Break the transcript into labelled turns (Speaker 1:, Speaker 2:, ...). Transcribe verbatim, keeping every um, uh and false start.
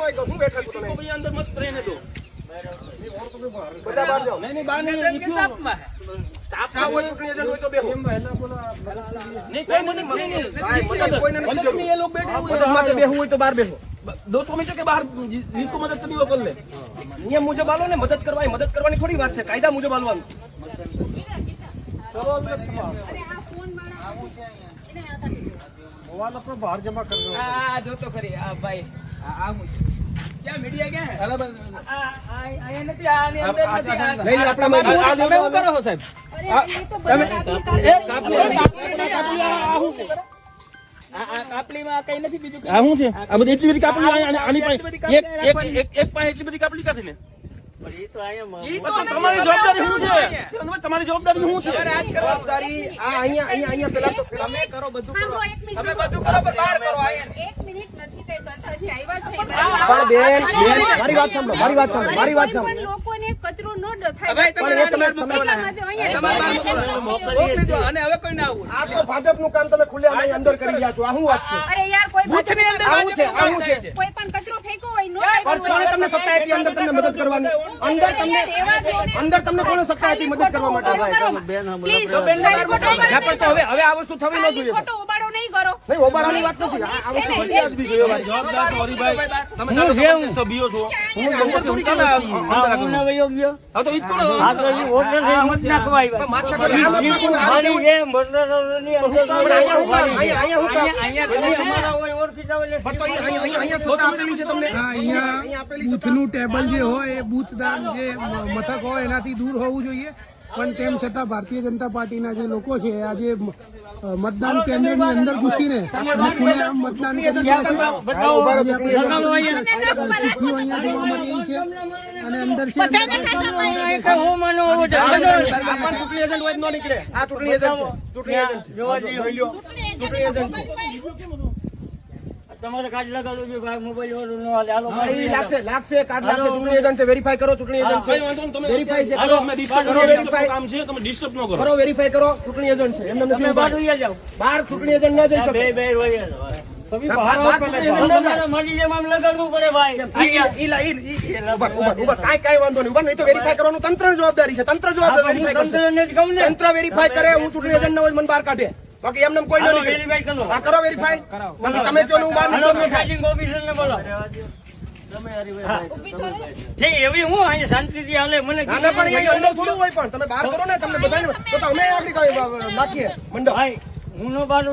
Speaker 1: આવી ગયો હું બેઠા છું તમે
Speaker 2: અંદર મત રહેને દો
Speaker 1: બધા બહાર જાઓ
Speaker 2: નહીં નહીં બહાર નહીં સ્ટાફમાં
Speaker 1: સ્ટાફમાં હોય ચૂંટણી એજન્ટ હોય તો બેહો
Speaker 2: નહીં કોઈ મદદ નહીં નહીં
Speaker 1: ભાઈ મદદ કોઈને નથી
Speaker 2: મદદ
Speaker 1: જરૂર
Speaker 2: નહીં, ये लोग बैठे हुए
Speaker 1: મદદ માટે બેહવું હોય તો બહાર બેહો
Speaker 2: दोस्तों में के बाहर जि- जिसको मदद करनी वो कर ले
Speaker 1: નિયમ મુજબ આલો ને મદદ કરવા મદદ કરવાની થોડી વાત છે કાયદા મુજબ આલવાનું
Speaker 3: मोबाइल अपना बाहर जमा कर दो।
Speaker 2: आ जो तो करिए आ भाई आ आ मुझे क्या मीडिया क्या है आ आ आया નથી આ ની અંદર નથી આ
Speaker 1: લઈ લે આપણા માં
Speaker 2: આ તમે શું કરો છો સાહેબ તમે એ કાપલી કાપલી આ હું છે આ આ કાપલીમાં કઈ નથી બીજું આ શું છે આ બધી એટલી બધી કાપલી આની પાસે એક એક એક એક પાસે એટલી બધી કાપલી કાથી ને ઈ તો તમારી જવાબદારી શું છે તમારી જવાબદારી શું છે
Speaker 1: જવાબદારી આ અહીંયા અહીંયા અહીંયા પેલા તો
Speaker 2: તમે કરો બધું કરો
Speaker 4: તમે
Speaker 2: બધું કરો પણ બહાર કરો આયા
Speaker 4: એક મિનિટ નથી કઈ તરતાજી આવ્યા છે
Speaker 1: પણ બેન બેન મારી વાત સાંભળો મારી વાત સાંભળો મારી વાત
Speaker 4: પણ
Speaker 1: સાંભળો
Speaker 4: લોકોને કચરો ન થાય
Speaker 2: ભાઈ
Speaker 1: પણ એ તમે તમે
Speaker 4: એટલા માટે અહીંયા
Speaker 2: મોકલી દો અને હવે કોઈ ના આવું
Speaker 1: આ તો ભાજપનું કામ તમે ખુલ્લેઆમ અહીં અંદર કરી રહ્યા છો આ શું વાત છે
Speaker 4: અરે યાર કોઈ
Speaker 2: બૂથની અંદર
Speaker 1: આવું છે આવું છે
Speaker 4: કોઈ પણ કચરો ફેંકો હોય નો
Speaker 1: પણ કોણે તમને સત્તા આપી અંદર તમને મદદ કરવાની અંદર તમને અંદર તમને કોણે સત્તા આપી મદદ કરવા માટે
Speaker 4: પ્લીઝ
Speaker 1: ના, પણ તો હવે હવે આ વસ્તુ થવી ન જોઈએ
Speaker 4: ખોટો ઉબાડો નહીં કરો
Speaker 1: નહીં ઓબાળાની વાત નથી આ આ વસ્તુ ફરિયાદ બી જોઈએ મારી
Speaker 2: જવાબદાર છો હરિભાઈ તમે જાણો છો કે સભ્યો છો હું અંદર થોડી તમે અંદર રાખો હા તો ઈ જ કરો
Speaker 1: પણ માથા કરી આમ આપને કોને આ નહીં. પણ અહીંયા હું કામ અહીંયા અહીંયા હું કામ પણ તો અહીં- અહીંયા અહીંયા સત્તા આપેલી છે તમને
Speaker 3: અહીંયા
Speaker 1: આપેલી સત્તા
Speaker 3: બૂથનું ટેબલ જે હોય એ બૂથદાન જે મ- મથક હોય એનાથી દૂર હોવું જોઈએ પણ તેમ છતાં ભારતીય જનતા પાર્ટીના જે લોકો છે આજે મ- અ, મતદાન કેન્દ્રની અંદર ઘૂસીને અને ખુલ્લેઆમ મતદાન કરી રહ્યા છે.
Speaker 1: હા, ઉભા રહો, ચૂંટણી એજન્ટ.
Speaker 3: ચિઠ્ઠીઓ અહીંયા જોવા મળી રહી છે અને અંદર છે
Speaker 1: આ પણ ચૂંટણી એજન્ટ હોય જ ન નીકળે આ ચૂંટણી એજન્ટ છે ચૂંટણી એજન્ટ છે જોઈ લ્યો ચૂંટણી એજન્ટ છે
Speaker 5: તમારે કાર્ડ લગાડવું જોઈએ ભાઈ મોબાઈલ વાળું ન હાલે હાલો
Speaker 1: હા, ઈ લાગશે લાગશે કાર્ડ લાગશે ચૂંટણી એજન્ટ છે વેરીફાઈ કરો ચૂંટણી એજન્ટ
Speaker 2: કઈ
Speaker 1: છે
Speaker 2: વાંધો નહીં, તમે
Speaker 1: વેરીફાઈ છે
Speaker 2: હાલો,
Speaker 1: કરો
Speaker 2: અમે disturb
Speaker 1: કરો
Speaker 2: ન કરો,
Speaker 1: વેરીફાઈ
Speaker 2: કામ છે તમે ડિસ્ટર્બ ન કરો
Speaker 1: કરો વેરીફાઈ કરો ચૂંટણી એજન્ટ છે એમને નથી
Speaker 5: તમે બહાર
Speaker 1: ઉભા.
Speaker 5: ઉઈ જાઓ
Speaker 1: બહાર ચૂંટણી એજન્ટ ન જઈ શકે
Speaker 5: બે બે વહી જાઓ.
Speaker 3: સભી
Speaker 1: ના,
Speaker 3: બહાર
Speaker 1: બહાર
Speaker 3: આવો
Speaker 1: ચૂંટણી
Speaker 3: પહેલા.
Speaker 1: એજન્ટ ન જાય.
Speaker 5: તમારે મારી જેમ આમ લગાડવું પડે ભાઈ
Speaker 1: ઈ- ઈ- ઈ- ઈ- ઈ- ઉભા, ઉભા, ઉભા. કાંઈ કાંઈ વાંધો નહીં ઉભા નહીં તો વેરીફાઈ કરવાનું તંત્રની જવાબદારી છે તંત્ર જવાબદાર વેરીફાઈ કરશે
Speaker 5: તંત્રને જ કહું ને
Speaker 1: તંત્ર વેરીફાઈ કરે હું ચૂંટણી એજન્ટ ન હોય મને બહાર કાઢે બાકી એમને કોઈ
Speaker 5: હાલો,
Speaker 1: નથી
Speaker 5: verify કરો.
Speaker 1: હા કરો વેરીફાઈ બાકી તમે કહો ને હું બહાર
Speaker 5: હાલો,
Speaker 1: નીકળું ન થાય.
Speaker 5: પ્રિસાઇડિંગ ઓફિસરને બોલો ઠીક એવી હું અહીંયા શાંતિથી હાલે મને
Speaker 1: ના ના પણ એ અંદર થોડું હોય પણ તમે બહાર કરો ને તમને બધાને તો તો અમે આગળ કાંઈ નાખીએ મંડપ
Speaker 5: ભાઈ હું નો બાર